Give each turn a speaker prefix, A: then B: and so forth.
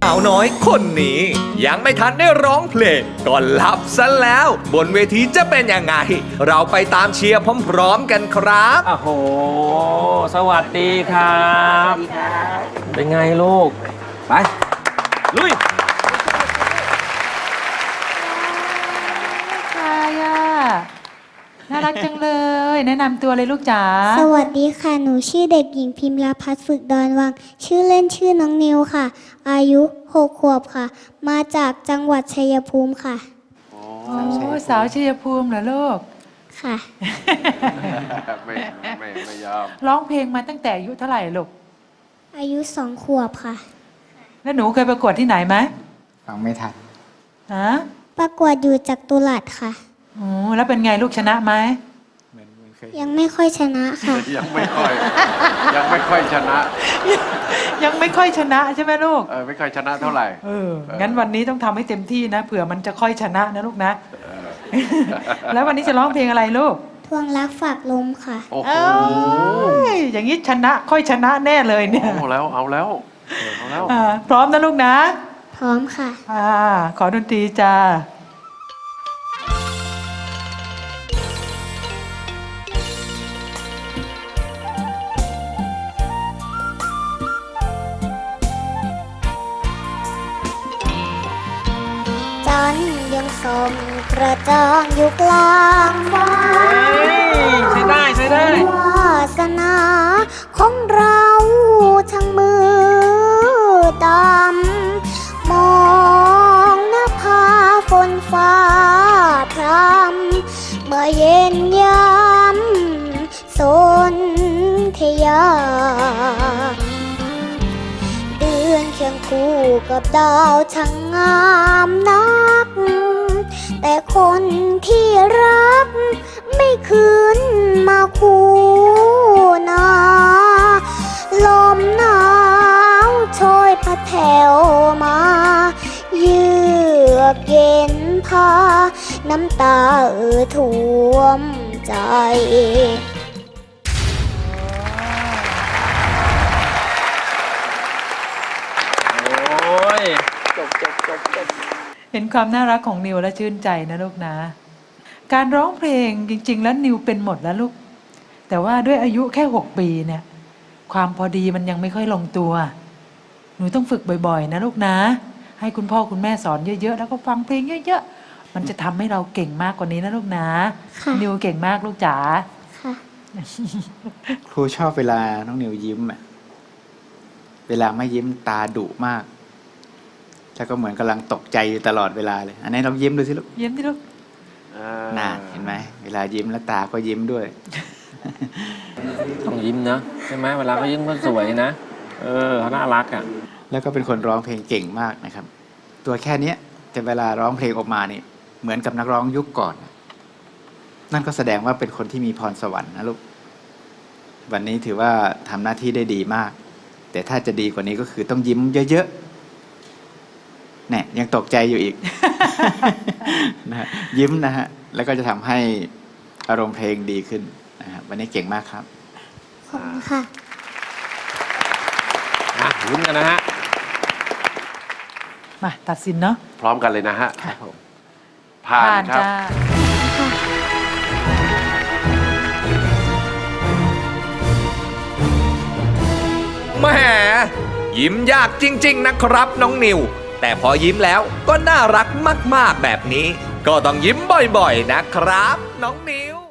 A: าวน้อยคนนี้ยังไม่ทันได้ร้องเพลงก็หลับซะแล้ว บนเวทีจะเป็นยังไง เราไปตามเชียร์พร้อมๆกันครับ
B: โอ้โห สวัสดีครับ เป็นไงลูก ไป ลุย
C: ใครอ่ะน่ารักจังเลย แนะนำตัวเลยลูกจ๋า
D: สวัสดีค่ะ หนูชื่อเด็กหญิงพิมพ์ราพัฒน์ฝึกดอนวัง ชื่อเล่นชื่อน้องนิวค่ะ อายุ 6 ขวบค่ะ มาจากจังหวัดชัยภูมิค่ะ
C: โอ้สาวชัยภูมิเหรอลูก
D: ค่ะ
E: ไม่ยอม
C: ร้องเพลงมาตั้งแต่อายุเท่าไหร่ลูก
D: อายุ 2 ขวบค่ะ
C: แล้วหนูเคยประกวดที่ไหนไหม
F: ฟังไม่ทัน
C: ฮะ
D: ประกวดอยู่จากตุลัดค่ะ
C: โอ้แล้วเป็นไงลูกชนะไหม
D: ยังไม่ค่อยชนะค่ะ
E: ยังไม่ค่อยชนะ
C: ยังไม่ค่อยชนะใช่ไหมลูก
E: ไม่ค่อยชนะเท่าไหร่
C: งั้นวันนี้ต้องทำให้เต็มที่นะเผื่อมันจะค่อยชนะนะลูกนะ แล้ววันนี้จะร้องเพลงอะไรลูก
D: ทวงรักฝากลมค่ะ
E: โอ้โห
C: เอ้ยอย่างนี้ชนะค่อยชนะแน่เลยเนี่ย
E: เอาแล้ว
C: พร้อมนะลูกนะ
D: พร้อมค่ะ
C: ขอดนตรีจ้า
D: จันทร์ยังส่องกระจ่างอยู่กลางฟ้า
B: ใช้ได้ใช้ได้
D: วาสนาของเราช่างมืดดำมองหน้าผาฝนฟ้าพรำเมื่อเย็นยามสนธยา เดือนเคียงคู่กับดาวช่างงามนัก แต่คนที่รักไม่คืนมาคู่นาลมหนาวโชยพัดแถวมาเยือกเย็นพาน้ำตาท่วมใจ
B: โอ้ย
C: เห็นความน่ารักของนิวและชื่นใจนะลูกนะ การร้องเพลงจริง ๆ แล้วนิวเป็นหมดแล้วลูก แต่ว่าด้วยอายุแค่ 6 ปีเนี่ย ความพอดีมันยังไม่ค่อยลงตัว หนูต้องฝึกบ่อยๆ นะลูกนะ ให้คุณพ่อคุณแม่สอนเยอะๆ แล้วก็ฟังเพลงเยอะๆ มันจะทำให้เราเก่งมากกว่านี้นะลูกนะ
D: ค่ะ
C: นิวเก่งมากลูกจ๋า
D: ค่ะ
F: ครูชอบเวลาน้องนิวยิ้มอะเวลาไม่ยิ้มตาดุมาก แล้วก็เหมือนกำลังตกใจอยู่ตลอดเวลาเลย อันนี้เรายิ้มดูสิลูก
C: เยี่ยมที่ลูก
F: น่าเห็นไหม เวลายิ้มแล้วตาก็ยิ้มด้วย
B: ต้องยิ้มนะใช่ไหมเวลาเขายิ้มก็สวยนะ เขาน่ารักอ่ะ
F: แล้วก็เป็นคนร้องเพลงเก่งมากนะครับ ตัวแค่เนี้ยแต่เวลาร้องเพลงออกมานี่เหมือนกับนักร้องยุคก่อน นั่นก็แสดงว่าเป็นคนที่มีพรสวรรค์นะลูก วันนี้ถือว่าทำหน้าที่ได้ดีมาก แต่ถ้าจะดีกว่านี้ก็คือต้องยิ้มเยอะๆเนี่ยยังตกใจอยู่อีก นะฮะยิ้มนะฮะ แล้วก็จะทำให้อารมณ์เพลงดีขึ้นนะครับวันนี้เก่งมากครับ
D: ขอบคุณค่ะ
B: ลุ้นกันนะฮะ
C: มาตัดสินเนาะ
E: พร้อมกันเลยนะฮะ
C: ค่ะ
E: ผ่านครับ
C: จ้า
A: แหมยิ้มยากจริง ๆ นะครับน้องนิว แต่พอยิ้มแล้วก็น่ารักมากๆแบบนี้ ก็ต้องยิ้มบ่อยๆนะครับ น้องนิว